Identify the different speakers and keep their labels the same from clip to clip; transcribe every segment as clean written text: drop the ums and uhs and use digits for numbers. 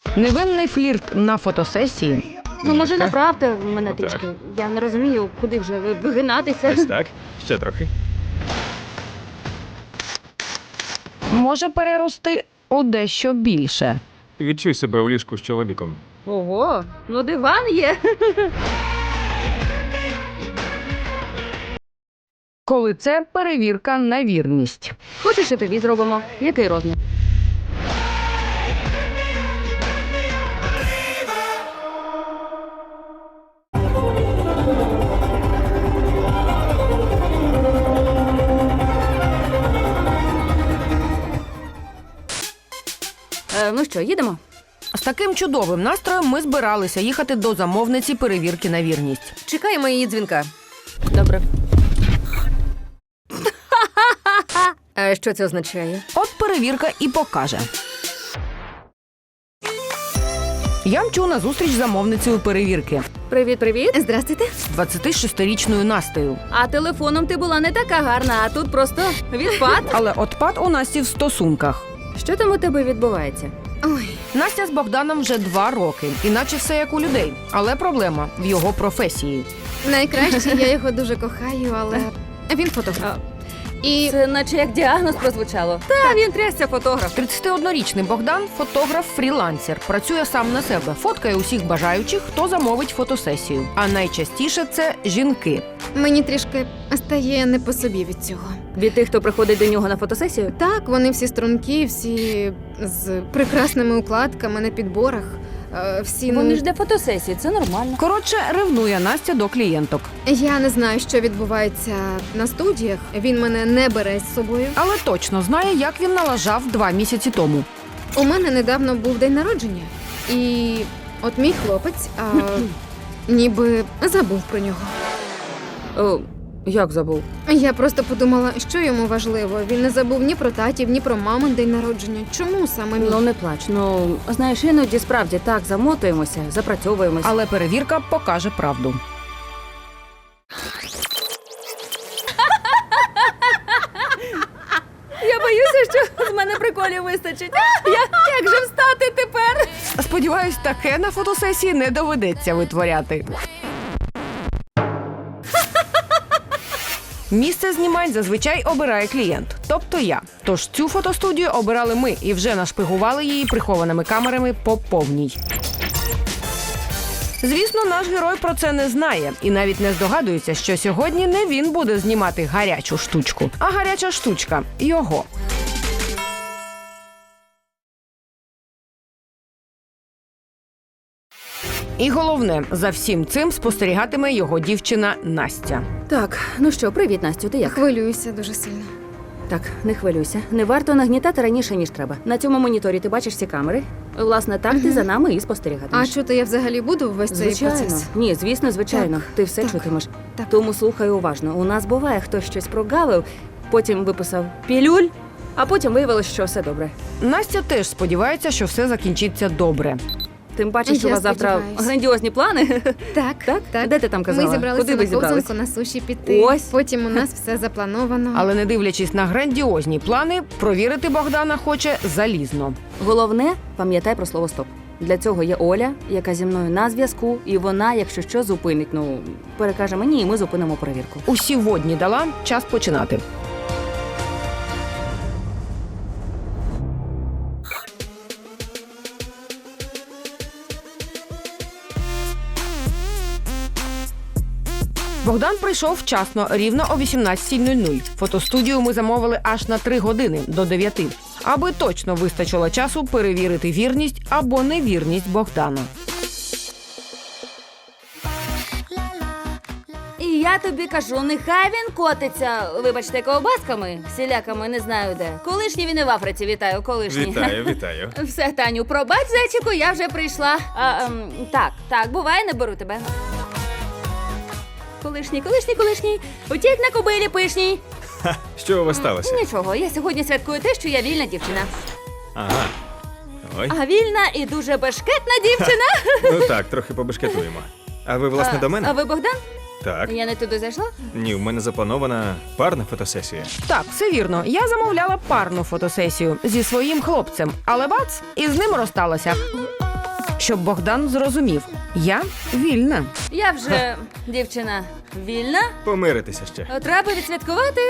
Speaker 1: Невинний флірт на фотосесії.
Speaker 2: Ну, може, направте мене
Speaker 3: Отак.
Speaker 2: трішки. Я не розумію, куди вже вигинатися.
Speaker 3: Ось так. Ще трохи.
Speaker 1: Може перерости у дещо більше.
Speaker 3: Відчуй себе у ліжку з чоловіком.
Speaker 2: Ого, ну диван є.
Speaker 1: Коли це перевірка на вірність.
Speaker 2: Хочеш, і тобі зробимо? Який розмір? Ну що, їдемо?
Speaker 4: З таким чудовим настроєм ми збиралися їхати до замовниці перевірки на вірність.
Speaker 5: Чекаємо її дзвінка.
Speaker 2: Добре.
Speaker 5: А що це означає?
Speaker 4: От перевірка і покаже. Я мчу на зустріч з замовницею перевірки
Speaker 2: Привіт.
Speaker 5: Здрастуйте.
Speaker 4: з 26-річною Настею.
Speaker 2: А телефоном ти була не така гарна, а тут просто відпад.
Speaker 4: Але отпад у Насті в стосунках.
Speaker 2: Що там у тебе відбувається?
Speaker 5: Ой,
Speaker 4: Настя з Богданом вже 2 роки, іначе все як у людей. Але проблема в його професії.
Speaker 5: найкраще, я його дуже кохаю, але він фотограф. І
Speaker 2: Це наче як діагноз прозвучало. Та він трясся фотограф.
Speaker 4: 31-річний Богдан – фотограф-фрілансер. Працює сам на себе, фоткає усіх бажаючих, хто замовить фотосесію. А найчастіше це жінки.
Speaker 5: мені трішки стає не по собі від цього.
Speaker 2: Від тих, хто приходить до нього на фотосесію?
Speaker 5: Так, вони всі стрункі, всі з прекрасними укладками на підборах. Всі,
Speaker 2: Вони ж для фотосесії, це нормально.
Speaker 4: Коротше, ревнує Настя до клієнток.
Speaker 5: Я не знаю, що відбувається на студіях. Він мене не бере з собою.
Speaker 4: Але точно знає, як він налажав 2 місяці тому.
Speaker 5: У мене недавно був день народження. І от мій хлопець ніби забув про нього.
Speaker 2: О, як забув?
Speaker 5: Я просто подумала, що йому важливо. Він не забув ні про татів, ні про мамин день народження. Чому саме мій?
Speaker 2: Ну не плач. Ну, знаєш, іноді справді так замотуємося, запрацьовуємося.
Speaker 4: Але перевірка покаже правду.
Speaker 2: Я боюся, що з мене приколів вистачить. Як же встати тепер?
Speaker 4: Сподіваюсь, таке на фотосесії не доведеться витворяти. Місце знімань зазвичай обирає клієнт, тобто я. Тож цю фотостудію обирали ми і вже нашпигували її прихованими камерами по повній. Звісно, наш герой про це не знає і навіть не здогадується, що сьогодні не він буде знімати гарячу штучку, а гаряча штучка – його. І головне, за всім цим спостерігатиме його дівчина Настя.
Speaker 2: Так, ну що, привіт, Настю, ти як?
Speaker 5: Хвилююся дуже сильно.
Speaker 2: Так, не хвилюйся. Не варто нагнітати раніше, ніж треба. На цьому моніторі ти бачиш всі камери. Власне, так ти за нами і
Speaker 5: А
Speaker 2: спостерігатимеш.
Speaker 5: чути я взагалі буду весь цей
Speaker 2: Звичайно.
Speaker 5: процес?
Speaker 2: Ні, звісно, звичайно.
Speaker 5: Так,
Speaker 2: Ти все
Speaker 5: так,
Speaker 2: чутимеш.
Speaker 5: так.
Speaker 2: Тому слухай уважно. У нас буває, хтось щось прогавив, потім виписав пілюль, а потім виявилось, що все добре.
Speaker 4: Настя теж сподівається, що все закінчиться добре.
Speaker 2: Тим паче, що у
Speaker 5: Я
Speaker 2: вас завтра
Speaker 5: сподіваюсь.
Speaker 2: грандіозні плани.
Speaker 5: Так,
Speaker 2: Так? Де ти там казала?
Speaker 5: Ми зібралися
Speaker 2: Куди ви
Speaker 5: на
Speaker 2: зібрались?
Speaker 5: ковзанку, на суші піти.
Speaker 2: Ось.
Speaker 5: Потім у нас все заплановано.
Speaker 4: Але не дивлячись на грандіозні плани, провірити Богдана хоче залізно.
Speaker 2: Головне, пам'ятай про слово «стоп». Для цього є Оля, яка зі мною на зв'язку, і вона, якщо що, зупинить. Ну, перекаже мені, і ми зупинимо перевірку.
Speaker 4: Усі водні дала, час починати. Богдан прийшов вчасно, рівно о 18:00. Фотостудію ми замовили аж на 3 години, до 9. Аби точно вистачило часу перевірити вірність або невірність Богдана.
Speaker 2: І я тобі кажу, нехай він котиться, вибачте, ковбасками, всіляками, не знаю де. Колишній він і в Африці, вітаю, колишній.
Speaker 3: Вітаю.
Speaker 2: Все, Таню, пробач, зайчику, я вже прийшла. Так, буває, не беру тебе. Колишній, утік на кобилі пишній.
Speaker 3: Що у вас сталося?
Speaker 2: Нічого, я сьогодні святкую те, що я вільна дівчина.
Speaker 3: Ага. Ой.
Speaker 2: А вільна і дуже бешкетна дівчина.
Speaker 3: Ну так, трохи побешкетуємо. А ви, власне, до мене?
Speaker 2: А ви Богдан?
Speaker 3: Так.
Speaker 2: Я не туди зайшла?
Speaker 3: Ні, в мене запланована парна фотосесія.
Speaker 4: Так, все вірно. Я замовляла парну фотосесію зі своїм хлопцем, але бац, і з ним розсталася. щоб Богдан зрозумів – я вільна.
Speaker 2: Я вже, дівчина, вільна.
Speaker 3: Помиритися ще.
Speaker 2: Треба відсвяткувати.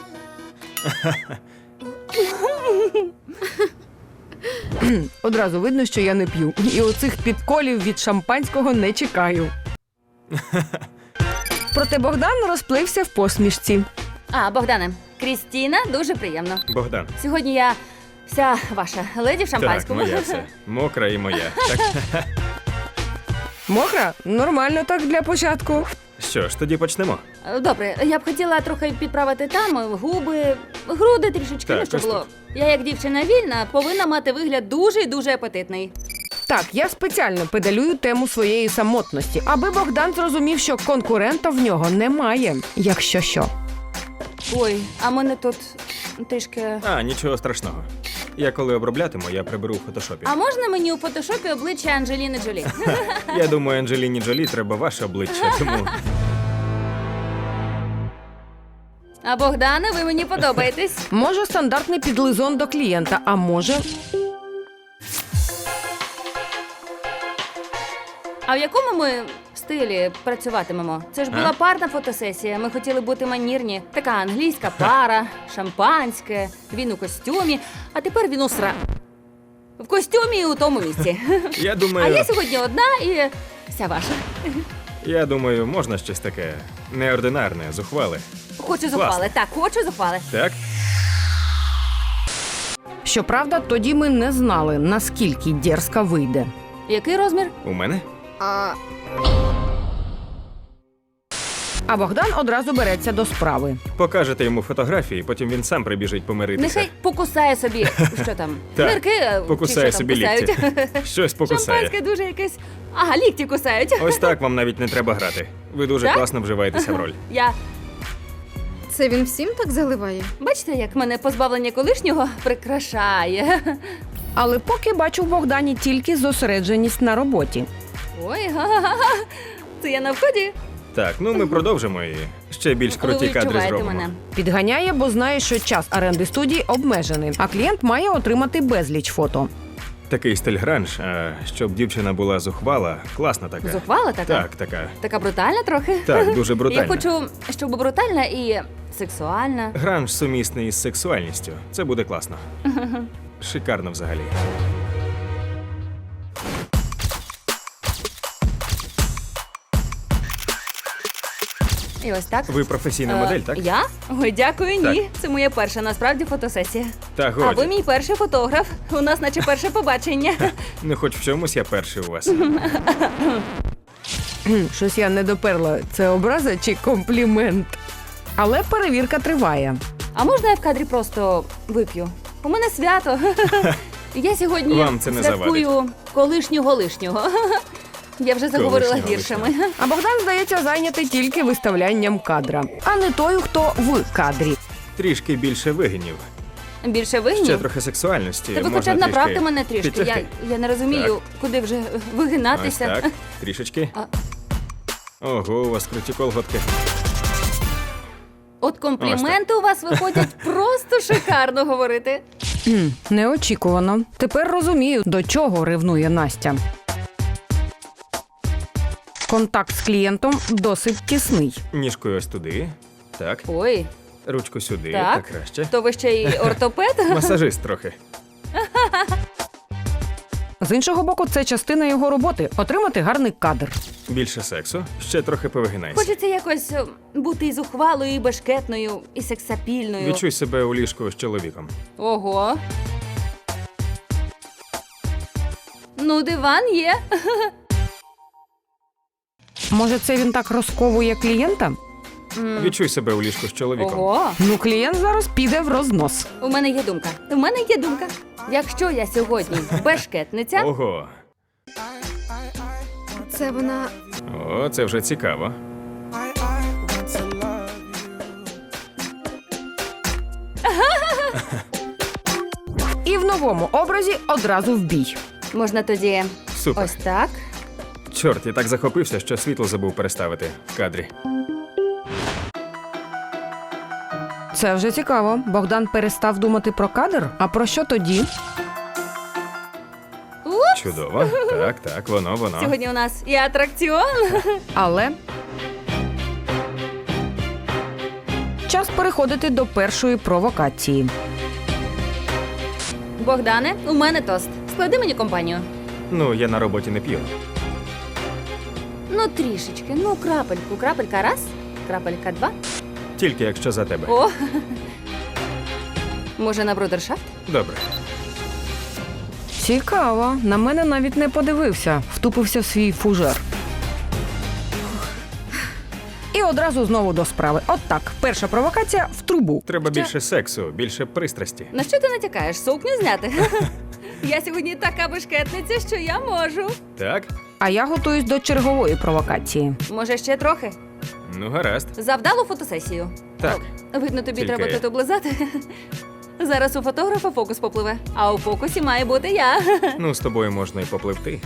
Speaker 4: Одразу видно, що я не п'ю. І оцих підколів від шампанського не чекаю. Проте Богдан розплився в посмішці.
Speaker 2: А, Богдане, Крістіна, дуже приємно.
Speaker 3: Богдан.
Speaker 2: Сьогодні я вся ваша леді в
Speaker 3: Так,
Speaker 2: шампанському.
Speaker 3: моя все. Мокра і моя. Так,
Speaker 4: Мокра? Нормально так для початку.
Speaker 3: що ж, тоді почнемо.
Speaker 2: Добре, я б хотіла трохи підправити там губи, груди трішечки,
Speaker 3: Так,
Speaker 2: ну, щоб
Speaker 3: ось
Speaker 2: було. Я, як дівчина вільна, повинна мати вигляд дуже і дуже апетитний.
Speaker 4: Так, я спеціально педалюю тему своєї самотності, аби Богдан зрозумів, що конкурента в нього немає, якщо що.
Speaker 2: Ой, а мене тут трішки.
Speaker 3: А, нічого страшного. Я коли оброблятиму, я приберу в фотошопі.
Speaker 2: А можна мені у фотошопі обличчя Анджеліни Джолі?
Speaker 3: Я думаю, Анджеліні Джолі треба ваше обличчя, тому...
Speaker 2: А Богдане, ви мені подобаєтесь.
Speaker 4: Може, стандартний підлизон до клієнта, а може...
Speaker 2: А в якому ми стилі працюватимемо? Це ж була парна фотосесія. Ми хотіли бути манірні. Така англійська пара, шампанське, він у костюмі, а тепер він у в костюмі і у тому місці.
Speaker 3: Я
Speaker 2: А
Speaker 3: думаю,
Speaker 2: я сьогодні одна і вся ваша.
Speaker 3: я думаю, можна щось таке неординарне, зухвале.
Speaker 2: Хочу зухвали. Так, хочу зухвали.
Speaker 3: Так?
Speaker 4: Щоправда, тоді ми не знали, наскільки дерзка вийде.
Speaker 2: Який розмір?
Speaker 3: У мене?
Speaker 4: А Богдан одразу береться до справи.
Speaker 3: Покажете йому фотографії, потім він сам прибіжить помиритися.
Speaker 2: Нехай покусає собі, що там,
Speaker 3: Так,
Speaker 2: нирки,
Speaker 3: покусає
Speaker 2: чи що там
Speaker 3: собі
Speaker 2: кусають.
Speaker 3: лікті. Щось покусає.
Speaker 2: Шампанське дуже якесь. Ага, лікті кусають.
Speaker 3: Ось так вам навіть не треба грати. Ви дуже
Speaker 2: Так?
Speaker 3: класно вживаєтеся в роль.
Speaker 2: Я
Speaker 5: Це він всім так заливає?
Speaker 2: бачите, як мене позбавлення колишнього прикрашає.
Speaker 4: Але поки бачу в Богдані тільки зосередженість на роботі.
Speaker 2: Ой, га-га-га. Це я на вході.
Speaker 3: Так, ну ми продовжимо і ще більш
Speaker 2: Ви
Speaker 3: круті кадри
Speaker 2: відчуваєте
Speaker 3: зробимо.
Speaker 2: мене.
Speaker 4: Підганяє, бо знає, що час оренди студії обмежений, а клієнт має отримати безліч фото.
Speaker 3: Такий стиль гранж, а щоб дівчина була зухвала, класна така.
Speaker 2: Зухвала така?
Speaker 3: Так, така.
Speaker 2: Така брутальна трохи?
Speaker 3: Так, дуже брутальна.
Speaker 2: Я хочу, щоб брутальна і сексуальна.
Speaker 3: Гранж сумісний із сексуальністю. Це буде класно. Шикарно взагалі.
Speaker 2: І ось так.
Speaker 3: Ви професійна модель, так?
Speaker 2: Я? Ой, дякую, ні.
Speaker 3: Так.
Speaker 2: Це моя перша насправді фотосесія.
Speaker 3: Та
Speaker 2: А ви
Speaker 3: годі.
Speaker 2: мій перший фотограф. У нас наче перше побачення.
Speaker 3: Ну хоч в чомусь я перший у вас.
Speaker 4: Щось я не доперла, це образа чи комплімент. Але перевірка триває.
Speaker 2: А можна я в кадрі просто вип'ю? У мене свято. Я сьогодні
Speaker 3: Вам це не
Speaker 2: святкую колишнього-лишнього. Я вже заговорила
Speaker 3: Колишнього
Speaker 2: віршами.
Speaker 4: А Богдан, здається, зайнятий тільки виставлянням кадра, а не той, хто в кадрі.
Speaker 3: Трішки більше вигинів.
Speaker 2: Більше вигнів?
Speaker 3: Ще трохи сексуальності.
Speaker 2: Та ви
Speaker 3: Можна
Speaker 2: хоча б направте
Speaker 3: трішки
Speaker 2: мене трішки.
Speaker 3: підтягти.
Speaker 2: Я не розумію, куди вже
Speaker 3: Ось
Speaker 2: вигинатися.
Speaker 3: так, трішечки.
Speaker 2: А.
Speaker 3: Ого, у вас круті колготки.
Speaker 2: От компліменти у вас виходять просто шикарно говорити.
Speaker 4: Неочікувано. Тепер розумію, до чого ревнує Настя. Контакт з клієнтом досить тісний.
Speaker 3: Ніжкою ось туди. Так.
Speaker 2: Ой,
Speaker 3: Ручку сюди,
Speaker 2: Так.
Speaker 3: так краще.
Speaker 2: то ви ще й ортопед?
Speaker 3: Масажист трохи.
Speaker 4: З іншого боку, це частина його роботи – отримати гарний кадр.
Speaker 3: Більше сексу, ще трохи повигинайся.
Speaker 2: Хочеться якось бути і зухвалою, і бешкетною, і сексапільною.
Speaker 3: Відчуй себе у ліжку з чоловіком.
Speaker 2: Ого. Ну, диван є.
Speaker 4: Може, це він так розковує клієнта?
Speaker 3: Відчуй себе у ліжку з чоловіком.
Speaker 2: Ого.
Speaker 4: Ну, клієнт зараз піде в рознос.
Speaker 2: У мене є думка. У мене є думка. Якщо я сьогодні бешкетниця,
Speaker 3: Ого.
Speaker 5: Це вона.
Speaker 3: О, це вже цікаво.
Speaker 4: І в новому образі одразу в бій.
Speaker 2: можна тоді
Speaker 3: Супер.
Speaker 2: ось так.
Speaker 3: Чорт, я так захопився, що світло забув переставити в кадрі.
Speaker 4: Це вже цікаво. Богдан перестав думати про кадр? А про що тоді?
Speaker 3: Чудово. Так, так, воно.
Speaker 2: Сьогодні у нас і атракціон.
Speaker 4: Але час переходити до першої провокації.
Speaker 2: Богдане, у мене тост. Склади мені компанію.
Speaker 3: Ну, я на роботі не п'ю.
Speaker 2: Ну, трішечки. Ну, крапельку. Крапелька раз, крапелька два.
Speaker 3: Тільки якщо за тебе.
Speaker 2: О! Може, на брудершафт?
Speaker 3: Добре.
Speaker 4: Цікаво. На мене навіть не подивився. Втупився в свій фужер. І одразу знову до справи. От так. Перша провокація в трубу.
Speaker 3: Треба більше сексу, більше пристрасті.
Speaker 2: На що ти натякаєш? Сукню зняти? Я сьогодні така бешкетниця, що я можу.
Speaker 3: Так?
Speaker 4: А я готуюсь до чергової провокації.
Speaker 2: Може, ще трохи?
Speaker 3: Ну, гаразд.
Speaker 2: За вдалу фотосесію.
Speaker 3: Так.
Speaker 2: О, видно, тобі
Speaker 3: Тільки-
Speaker 2: треба тут облизати. Зараз у фотографа фокус попливе, а у фокусі має бути я.
Speaker 3: Ну, з тобою можна і попливти.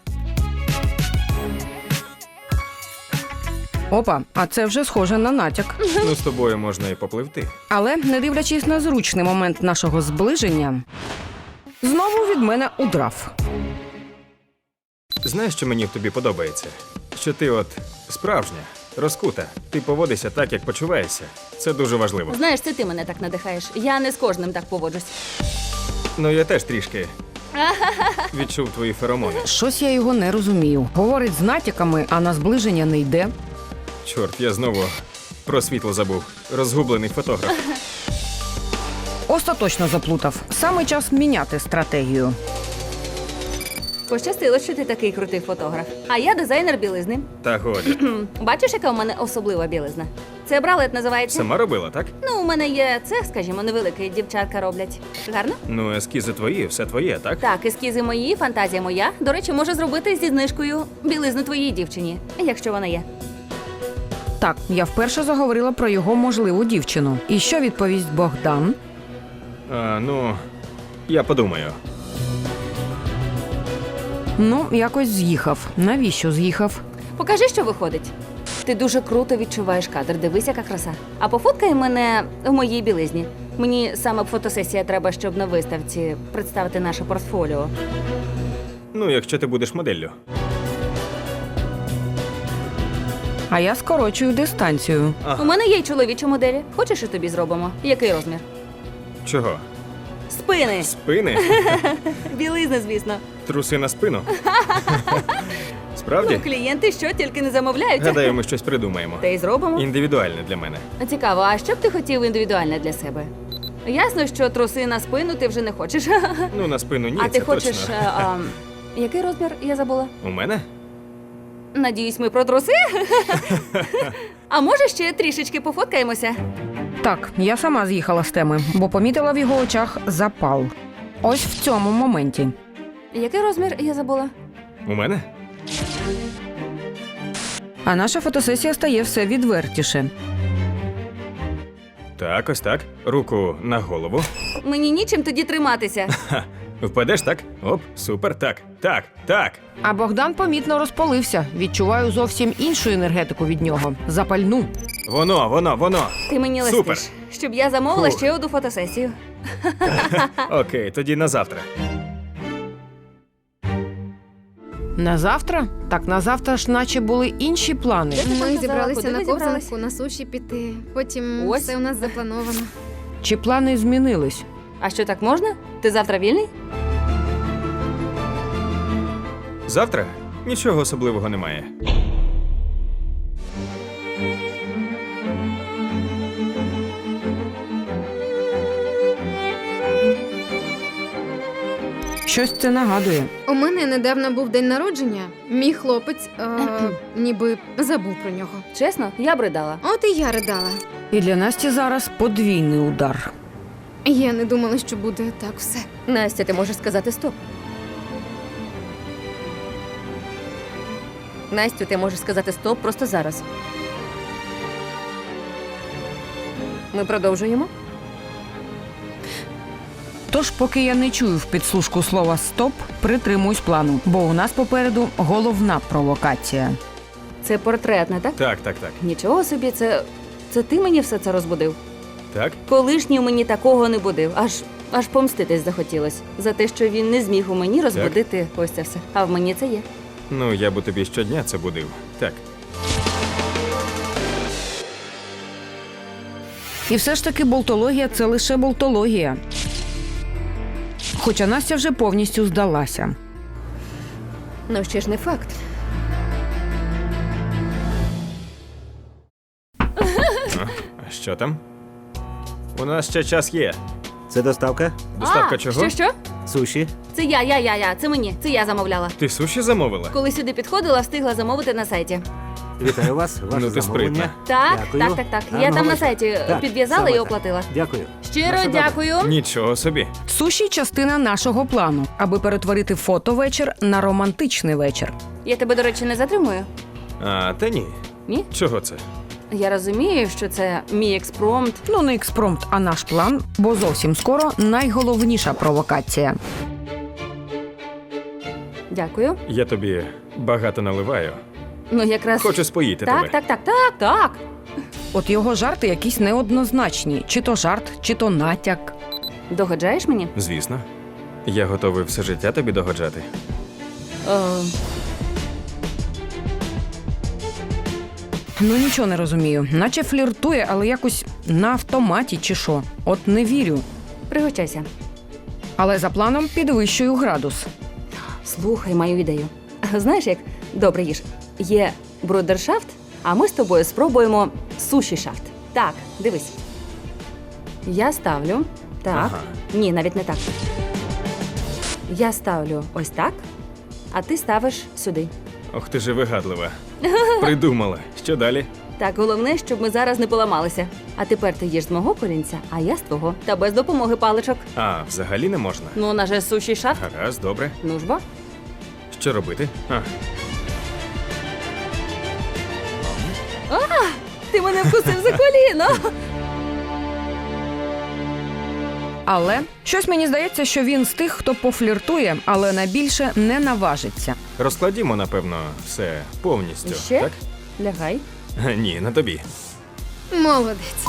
Speaker 4: Опа, а це вже схоже на натяк.
Speaker 3: Ну, з тобою можна і попливти.
Speaker 4: Але, не дивлячись на зручний момент нашого зближення, знову від мене удрав.
Speaker 3: Знаєш, що мені в тобі подобається? Що ти от справжня, розкута. Ти поводишся так, як почуваєшся. Це дуже важливо.
Speaker 2: Знаєш, це ти мене так надихаєш. Я не з кожним так поводжусь.
Speaker 3: Ну, я теж трішки відчув твої феромони.
Speaker 4: Щось я його не розумію. Говорить з натяками, а на зближення не йде.
Speaker 3: Чорт, я знову про світло забув. Розгублений фотограф.
Speaker 4: Остаточно заплутав. Саме час міняти стратегію.
Speaker 2: Пощастило, що ти такий крутий фотограф. А я дизайнер білизни.
Speaker 3: Та годі.
Speaker 2: Бачиш, яка у мене особлива білизна? Це бралет називається.
Speaker 3: Сама робила, так?
Speaker 2: Ну, у мене є цех, скажімо, невеликий, дівчатка роблять. Гарно?
Speaker 3: Ну, ескізи твої, все твоє, так?
Speaker 2: Так, ескізи мої, фантазія моя. До речі, можу зробити зі знижкою білизну твоїй дівчині, якщо вона є.
Speaker 4: Так, я вперше заговорила про його можливу дівчину. І що відповість Богдан?
Speaker 3: Ну, я подумаю.
Speaker 4: Ну, якось з'їхав. Навіщо з'їхав?
Speaker 2: Покажи, що виходить. Ти дуже круто відчуваєш кадр, дивись, яка краса. А пофоткай мене в моїй білизні. Мені саме фотосесія треба, щоб на виставці представити наше портфоліо.
Speaker 3: Ну, якщо ти будеш моделлю.
Speaker 4: А я скорочую дистанцію.
Speaker 2: У мене є й чоловічі моделі. Хочеш, і тобі зробимо? Який розмір?
Speaker 3: Чого?
Speaker 2: Спини!
Speaker 3: Спини?
Speaker 2: Білизна, звісно.
Speaker 3: Труси на спину? Справді?
Speaker 2: Ну, клієнти що тільки не замовляють.
Speaker 3: Гадаю, ми щось придумаємо.
Speaker 2: Та й зробимо.
Speaker 3: Індивідуальне для мене.
Speaker 2: Цікаво, а що б ти хотів індивідуальне для себе? Ясно, що труси на спину ти вже не хочеш.
Speaker 3: Ну, на спину ні,
Speaker 2: А ти
Speaker 3: це
Speaker 2: хочеш.
Speaker 3: точно.
Speaker 2: Який розмір? Я забула.
Speaker 3: У мене?
Speaker 2: Надіюсь, ми про труси? А може ще трішечки пофоткаємося?
Speaker 4: Так, я сама з'їхала з теми, бо помітила в його очах запал. Ось в цьому моменті.
Speaker 2: Який розмір? Я забула.
Speaker 3: У мене?
Speaker 4: А наша фотосесія стає все відвертіше.
Speaker 3: Так, ось так. Руку на голову.
Speaker 2: Мені нічим тоді триматися.
Speaker 3: Ха. Впадеш так? Оп, супер, так. Так, так.
Speaker 4: А Богдан помітно розпалився. Відчуваю зовсім іншу енергетику від нього. Запальну.
Speaker 3: Воно.
Speaker 2: Ти мені
Speaker 3: Супер.
Speaker 2: листиш, щоб я замовила
Speaker 3: Фух.
Speaker 2: ще одну фотосесію.
Speaker 3: Окей, тоді на завтра.
Speaker 4: На завтра? Так, на завтра ж наче були інші плани.
Speaker 2: Де ти там
Speaker 5: Ми
Speaker 2: казала,
Speaker 5: зібралися
Speaker 2: куди
Speaker 5: на
Speaker 2: ви зібрались?
Speaker 5: ковзанку, на суші піти. Потім
Speaker 2: Ось.
Speaker 5: все у нас заплановано.
Speaker 4: Чи плани змінились?
Speaker 2: А що, так можна? Ти завтра вільний?
Speaker 3: Завтра? Нічого особливого немає.
Speaker 4: Щось це нагадує.
Speaker 5: У мене недавно був день народження. Мій хлопець ніби забув про нього.
Speaker 2: Чесно, я б ридала.
Speaker 5: От і я ридала.
Speaker 4: І для Насті зараз подвійний удар.
Speaker 5: Я не думала, що буде так все.
Speaker 2: Настя, ти можеш сказати стоп. Настю, ти можеш сказати стоп просто зараз. Ми продовжуємо?
Speaker 4: Тож, поки я не чую в підслужку слова «стоп», притримуюсь плану, бо у нас попереду головна провокація.
Speaker 2: Це портрет, не так?
Speaker 3: Так.
Speaker 2: Нічого собі, це ти мені все це розбудив.
Speaker 3: Так?
Speaker 2: Колишній мені такого не будив. Аж Аж помститись захотілось за те, що він не зміг у мені розбудити ось це все. А в мені це є.
Speaker 3: Ну, я б у тобі щодня це будив. Так.
Speaker 4: І все ж таки болтологія – це лише болтологія. Хоча Настя вже повністю здалася.
Speaker 5: Ну ще ж не факт.
Speaker 3: А що там? У нас ще час є.
Speaker 6: Це доставка?
Speaker 3: Доставка чого?
Speaker 2: Що?
Speaker 6: Суші?
Speaker 2: Це я. Це мені. Це я замовляла.
Speaker 3: Ти суші замовила?
Speaker 2: Коли сюди підходила, встигла замовити на сайті.
Speaker 6: Вітаю вас. Ваше
Speaker 3: Ну, ти
Speaker 6: замовлення.
Speaker 2: Так,
Speaker 6: Дякую.
Speaker 2: так. Я
Speaker 6: Гарного
Speaker 2: там на
Speaker 6: вечора.
Speaker 2: сайті
Speaker 6: Так,
Speaker 2: підв'язала
Speaker 6: саме
Speaker 2: і
Speaker 6: так.
Speaker 2: оплатила.
Speaker 6: Дякую.
Speaker 2: Щиро
Speaker 6: На все добре.
Speaker 2: дякую.
Speaker 3: Нічого собі.
Speaker 4: Суші – частина нашого плану, аби перетворити фотовечір на романтичний вечір.
Speaker 2: Я тебе, до речі, не затримую.
Speaker 3: А, та ні.
Speaker 2: Ні?
Speaker 3: Чого це?
Speaker 2: Я розумію, що це мій експромт.
Speaker 4: Ну, не експромт, а наш план, бо зовсім скоро найголовніша провокація.
Speaker 2: Дякую.
Speaker 3: Я тобі багато наливаю.
Speaker 2: Ну, якраз.
Speaker 3: Хочу споїти тебе.
Speaker 2: Так.
Speaker 4: От його жарти якісь неоднозначні. Чи то жарт, чи то натяк.
Speaker 2: Догоджаєш мені?
Speaker 3: Звісно. Я готовий все життя тобі догоджати.
Speaker 4: Ну, нічого не розумію. Наче фліртує, але якось на автоматі чи що. От не вірю.
Speaker 2: Пригощайся.
Speaker 4: Але за планом підвищую градус.
Speaker 2: Слухай мою ідею. Знаєш як? Добре, їж. Є брудершафт, а ми з тобою спробуємо суші-шафт. Так, дивись. Я ставлю. Так.
Speaker 3: Ага.
Speaker 2: Ні, навіть не так. Я ставлю ось так, а ти ставиш сюди.
Speaker 3: Ох ти ж і вигадлива. Придумала. Що далі?
Speaker 2: Так, головне, щоб ми зараз не поламалися. А тепер ти їж з мого корінця, а я з твого. Та без допомоги паличок.
Speaker 3: А, взагалі не можна.
Speaker 2: Ну, у нас же суші-шафт.
Speaker 3: Гаразд, добре.
Speaker 2: Ну ж бо.
Speaker 3: Що робити?
Speaker 2: Ти мене вкусив за коліно.
Speaker 4: Але щось мені здається, що він з тих, хто пофліртує, але на більше не наважиться.
Speaker 3: Розкладімо, напевно, все повністю.
Speaker 2: Ще?
Speaker 3: Так?
Speaker 2: Лягай.
Speaker 3: Ні, на тобі.
Speaker 5: Молодець.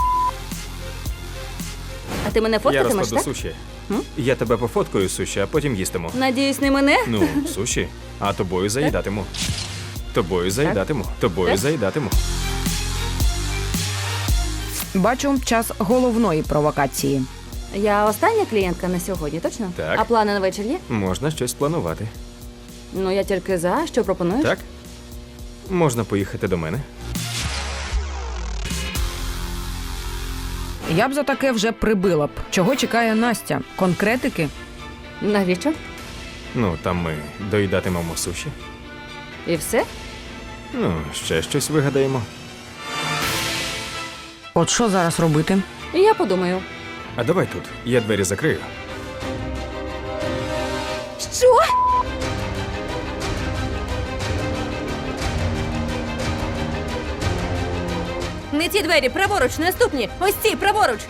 Speaker 2: А ти мене
Speaker 3: Я
Speaker 2: фоткатимеш,
Speaker 3: розкладу
Speaker 2: так?
Speaker 3: суші.
Speaker 2: М?
Speaker 3: Я тебе пофоткаю суші, а потім їстиму.
Speaker 2: Надіюсь, не мене?
Speaker 3: Ну, суші, а тобою заїдатиму. Тобою заїдатиму. Тобою
Speaker 2: Так?
Speaker 3: заїдатиму.
Speaker 4: Бачу час головної провокації.
Speaker 2: Я остання клієнтка на сьогодні, точно?
Speaker 3: Так.
Speaker 2: А плани на вечір є?
Speaker 3: Можна щось планувати.
Speaker 2: Ну, я тільки за. Що пропонуєш?
Speaker 3: Так? Можна поїхати до мене.
Speaker 4: Я б за таке вже прибила б. Чого чекає Настя? Конкретики?
Speaker 2: Навіщо?
Speaker 3: Ну, там ми доїдатимемо суші.
Speaker 2: І все?
Speaker 3: Ну, ще щось вигадаємо.
Speaker 4: От що зараз робити?
Speaker 2: Я подумаю.
Speaker 3: А давай тут. Я двері закрию.
Speaker 2: Що? Не ті двері, праворуч, наступні. Ось ці, праворуч.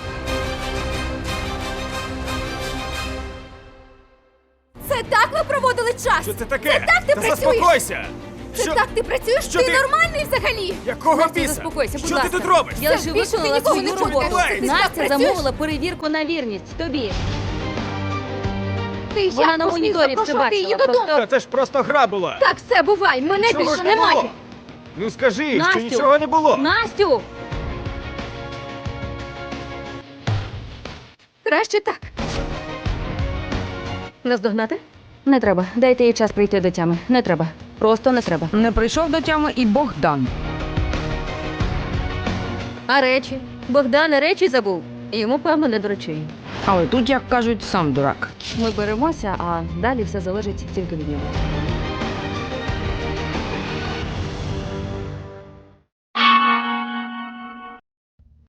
Speaker 2: Це так ви проводили час?
Speaker 3: Що це таке?
Speaker 2: так ти
Speaker 3: Та
Speaker 2: працюєш?
Speaker 3: заспокойся!
Speaker 2: Це
Speaker 3: Що?
Speaker 2: так ти працюєш?
Speaker 3: Що
Speaker 2: ти
Speaker 3: ти?
Speaker 2: нормальний взагалі?
Speaker 3: Якого
Speaker 2: Настя,
Speaker 3: біса?
Speaker 2: заспокойся, будь
Speaker 3: Що
Speaker 2: ласка.
Speaker 3: ти тут робиш?
Speaker 2: Я лише
Speaker 5: більше ти
Speaker 2: виконала
Speaker 5: нікого
Speaker 2: свою
Speaker 5: не чуєш.
Speaker 2: роботу.
Speaker 3: Ти
Speaker 2: Настя
Speaker 5: так працюєш?
Speaker 2: замовила перевірку на вірність тобі.
Speaker 5: Ти
Speaker 2: Вона на моніторі все бачила. Просто...
Speaker 3: Це ж просто гра була!
Speaker 5: Так, все, бувай, мене
Speaker 3: Чого
Speaker 5: більше
Speaker 3: ж
Speaker 5: немає.
Speaker 3: було? Ну скажи,
Speaker 2: Настю!
Speaker 3: що нічого не було!
Speaker 2: Настю!
Speaker 5: Краще так.
Speaker 2: Наздогнати? Не треба. Дайте їй час прийти до тями. Не треба. Просто не треба.
Speaker 4: Не прийшов до тями і Богдан.
Speaker 2: А речі? Богдан речі забув. Йому, певно, не до речей.
Speaker 4: Але тут, як кажуть, сам дурак.
Speaker 2: Ми беремося, а далі все залежить тільки від нього.